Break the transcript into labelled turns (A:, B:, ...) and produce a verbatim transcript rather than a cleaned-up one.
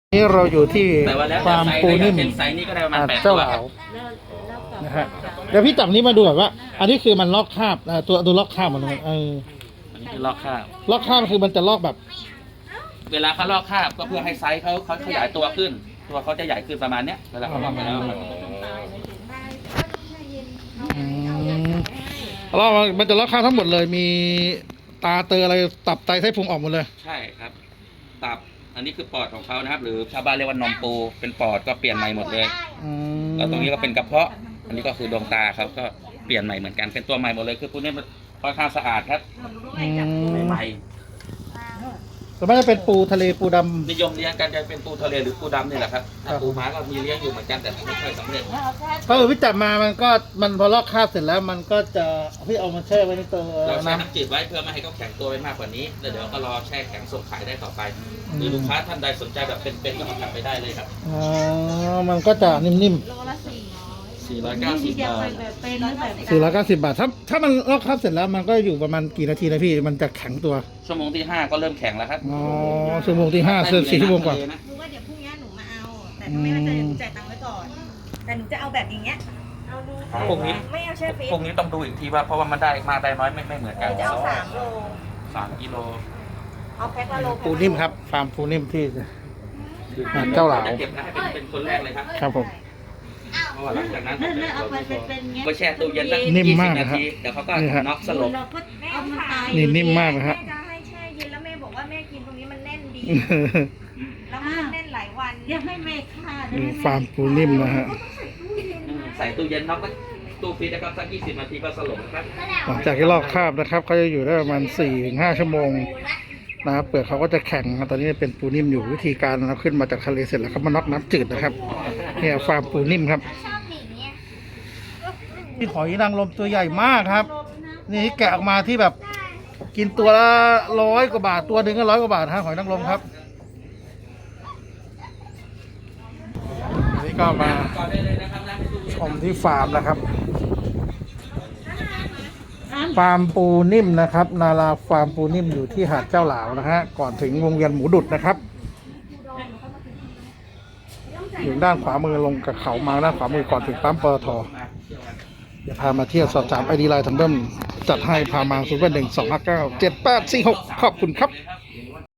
A: นี่เราอยู่ที่ฟาร์มปูนิ่ม
B: ไซส์นี้ก็ได้ประมาณ
A: หาด
B: แปด
A: เจ้า
B: ตัว
A: หลาวนะฮะเดี๋ยวพี่จับนี้มาดูก่อนว่า อันนี้คือมันลอกคราบนะตัวตัวลอกคราบมันเออ
B: อันนี้คือลอกคราบ
A: ลอกคราบคือมันจะลอกแบบ
B: เวลาเขาลอกคราบก็เพื่อให้ไซส์เขาเขาขยายตัวขึ้น ตัวเขาจะใหญ่ขึ้นประมาณเนี้ยเวลาเขาลอกไปแล้วมัน
A: อืมลอกมันจะลอกคราบทั้งหมดเลยมีตาเตออะไรตับไตไส้พุงออกหมดเลย
B: ใช่ครับตับอันนี้คือปอดของเขานะครับ หรือชาวบ้านเรียกว่านมปูเป็นปอดก็เปลี่ยนใหม่หมดเลย
A: อืม
B: แล้วตรงนี้ก็เป็นกระเพาะ อันนี้ก็คือดวงตาเขาก็เปลี่ยนใหม่เหมือนกันเป็นตัวใหม่หมดเลยคือพวกนี้มันค่อนข้างสะอาดครับ
A: อืม
B: ใหม่
A: ส่วนมากจะเป็นปูทะเลปูดำ
B: นิยมเลี้ยงกันจะเป็นปูทะเลหรือปูดำนี่แหละครับถ้าปูม้าก็มีเลี้ยงอยู่เหมือนกันแต่ไม่ค่อยสำเร็จ
A: ก็คือพี่จับมามันก็มันพอลอกคราบเสร็จแล้วมันก็จะพี่เอามาแช่ไว้ในตัว
B: เราแช่
A: น้
B: น้ำจืดไว้เพื่อไม่ให้เขาแข็งตัวไปมากกว่านี้แล้วเดี๋ยวก็รอแช่แข็งส่งขายได้ต่อไปหรือลูกค้าท่านใดสนใจแบบเป็นๆก็เอากลับไปได้เลยครับ
A: ำอ๋อมันก็จะนิ่ม
C: โลละสี่
B: สี่ร้อยเก้าสิบบาท
C: แบบเป็นหรือแบบ
A: ๆสี่ร้อยเก้าสิบบาทถ้าถ้ามันลอกคราบเสร็จแล้วมันก็อยู่ประมาณกี่นาทีนะพี่มันจะแข็งตัว
B: ชั่วโมงที่ห้าก็เริ่มแข็งแล้วครับ
A: อ๋อชั่วโมงที่ห้าเสร็จสี่ชั่วโมงกว่า
C: รู้ว่าเดี๋ยวพรุ่งนี้หนูมาเอา แต่ถ้าไม่มั่นใจเดี๋ยวหนูจ่ายตังค์ไว้ก่อน แต่หนูจะเอาแบบอย่างเงี้ย เอาดู
B: พวกนี้
C: ไม่เอาแช่ฟรี
B: พวกนี้ต้องดูอีกทีว่าเพราะว่ามันได้มากได้น้อยไม่ไม่เหมือน
C: ห
B: กัน
C: นูจะเอาสามโล
B: สามกิโล
C: เอาแพ็คละโล
A: ปูนิ่มครับฟาร์มปูนิ่มที่ เจ้าหลาว
B: จะเก็บนะให้เป็นเป็นคนแรกเลยครับ
A: ครับผม
B: เพราะว่าหลังจากนั้น
C: นั่นนั่นเอาไปเป็นเป็นเงี้ย
B: ก็แช่ตู้เย็นตั้ง
A: นิ่ม
B: ยี่สิ
A: มาก
B: บนา
A: นะครับ
B: ทีเดี๋ยวเขาก็
A: นี่ฮะ
B: น็อกสลบ
C: เราก็เอามันตาย
A: นี่นิ่มมากนะฮะ
C: แม่จะให้แช่เย็นแล้วแม่บอกว่าแม่กินตรงนี้มันแน่นดี แล้วมันแน่นหลายวันอยากให้แม่ฆ่า
A: นี่ฟาร์มปูนิ่มนะฮะ
B: ใส่ตู้เย็นน็อกไว้ตู้ฟรีซนะครับสักยี่สิบนาทีก็สลบนะครับ
A: หลังจากที่ลอกคราบนะครับเขาจะอยู่ได้ประมาณสี่ถึงห้าชั่วโมงนะครับเปลือกเขาก็จะแข็งนะตอนนี้เป็นปูนิ่มอยู่วิธีการเราขึ้นมาจากทะเลเสร็จแล้วเขามาน็อกน้ำจืดนะครับเนี่ยฟาร์มปูนิ่มครับนี่หอยนางรมตัวใหญ่มากครับ นี่แกะออกมาที่แบบกินตัวละร้อยกว่าบาทตัวหนึ่งก็ร้อยกว่าบาทฮะหอยนางรมครับอันนี้ก็มาชมที่ฟาร์มนะครับ ฟาร์มปูนิ่มนะครับนาราฟาร์มปูนิ่มอยู่ที่หาดเจ้าหลาวนะฮะก่อนถึงวงเวียนหมูดุดนะครับอยู่ด้านขวามือลงกับเขามาด้านขวามือก่อนถึงปั๊มปตทอย่าพามาเที่ยวสอบถามไอดีไลน์ทางเบิ้มจัดให้พามาศูนย์แปดหนึ่งสองห้าเก้าเจ็ดแปดสี่หกขอบคุณครับ